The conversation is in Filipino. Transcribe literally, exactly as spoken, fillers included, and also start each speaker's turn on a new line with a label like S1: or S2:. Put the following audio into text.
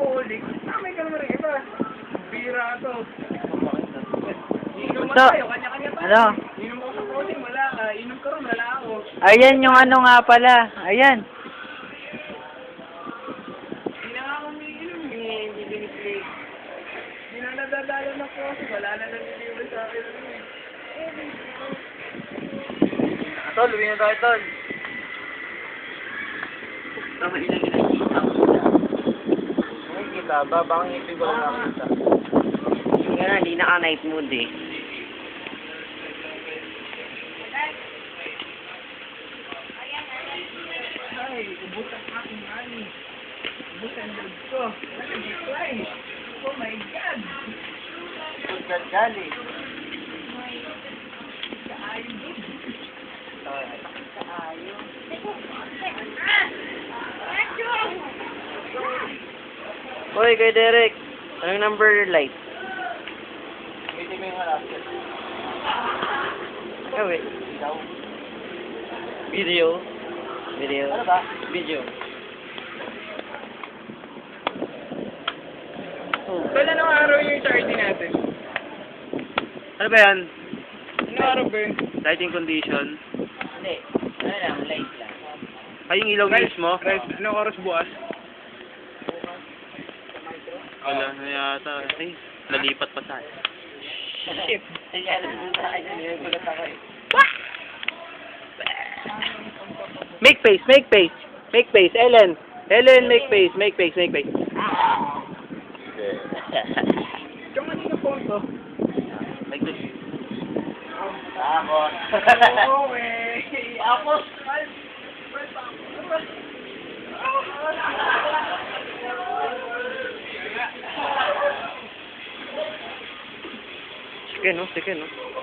S1: alcoholic. Tamay ka naman ng iba. Bira to. Inom mo
S2: So,
S1: tayo, kanya-kanya tayo.
S2: ano?
S1: Inom ako sa coding, wala ka. Inom ka rin, wala ako.
S2: Ayan yung ano nga pala. Ayan.
S1: Hindi na nga ako umiinom eh. Hindi biniplay. Hindi na nadadala na po kasi wala na nanilibre sa akin.
S2: Tol, uwi na tayo, Tol.
S1: Tama ilang ilang kita mo.
S2: May kita ba? Baka ngipin ko lang nakita.
S3: Nga na, hindi naka-night mood eh.
S1: Ay, ubos ang aking money. Ubos ang load ko. Nag-decline. Oh my God.
S2: Good gali.
S1: Kaayo din. Kaayo.
S2: Hoy, kay Derek. Anong number light?
S1: Hindi mo yung halapit.
S2: Eh, wait. Video. Video.
S1: Ano ba?
S2: Video. Oh.
S1: Kailan anong araw yung charity natin?
S2: Ano ba yan?
S1: Anong araw ba yun?
S2: Lighting condition.
S3: Hindi. Ano lang, light lang.
S2: Ay, yung ilaw
S1: Rice,
S2: mismo?
S1: Rice, anong oras bukas?
S2: Wala na yata. Ay, nalipat pa tayo.
S1: Shit.
S3: Ay, alam mo sa akin, nagulat ako eh.
S2: Make face, make face. Make face, Ellen. Ellen, make face, make face, make face.
S1: Yung ano yung phone to?
S2: Like this.
S3: Tapos.
S1: Oo eh.
S3: Tapos.
S2: Sige, no? Sige, no?